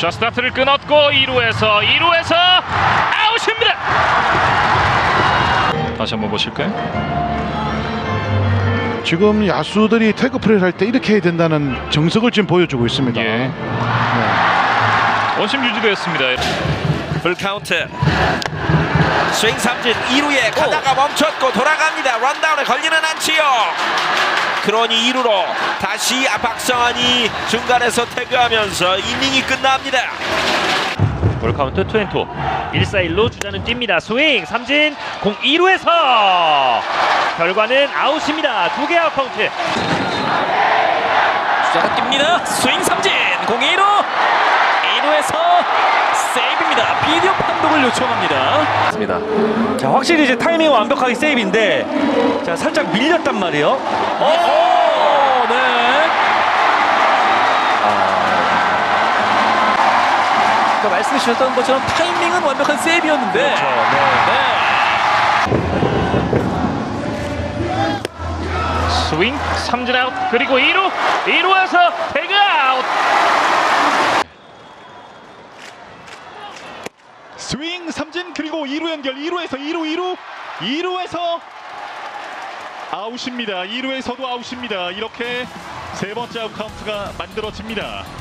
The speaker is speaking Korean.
자, 스타트를 끊었고 2루에서 아웃입니다. 다시 한번 보실까요? 지금 야수들이 태그 플레이를 할 때 이렇게 해야 된다는 정석을 지금 보여주고 있습니다. 예. 원심 유지되었습니다. 풀카운트. 스윙 삼진 2루에 가다가 멈췄고 돌아갑니다. 런다운에 걸리는 않지요. 그러니 2루로 다시 박성환이 중간에서 태그하면서 이닝이 끝납니다. 볼 카운트 2&2. 1-4-1로 주자는 뜁니다. 스윙 삼진 공 2루에서 결과는 아웃입니다. 2개 아웃 카운트. 주자가 뜁니다. 스윙 삼진 공 2루에서 세이브입니다. 비디오 판독을 요청합니다. 자, 확실히 이제 타이밍 완벽하게 세이브인데 자, 살짝 밀렸단 말이에요. 오, 네. 아까 말씀해 주셨던 것처럼 타이밍은 완벽한 세이브였는데. 그렇죠. 스윙 삼진 아웃, 그리고 2루에서 태그 아웃. 스윙 삼진 그리고 2루 연결. 2루에서 2루에서 아웃입니다. 2루에서도 아웃입니다. 이렇게 세 번째 아웃 카운트가 만들어집니다.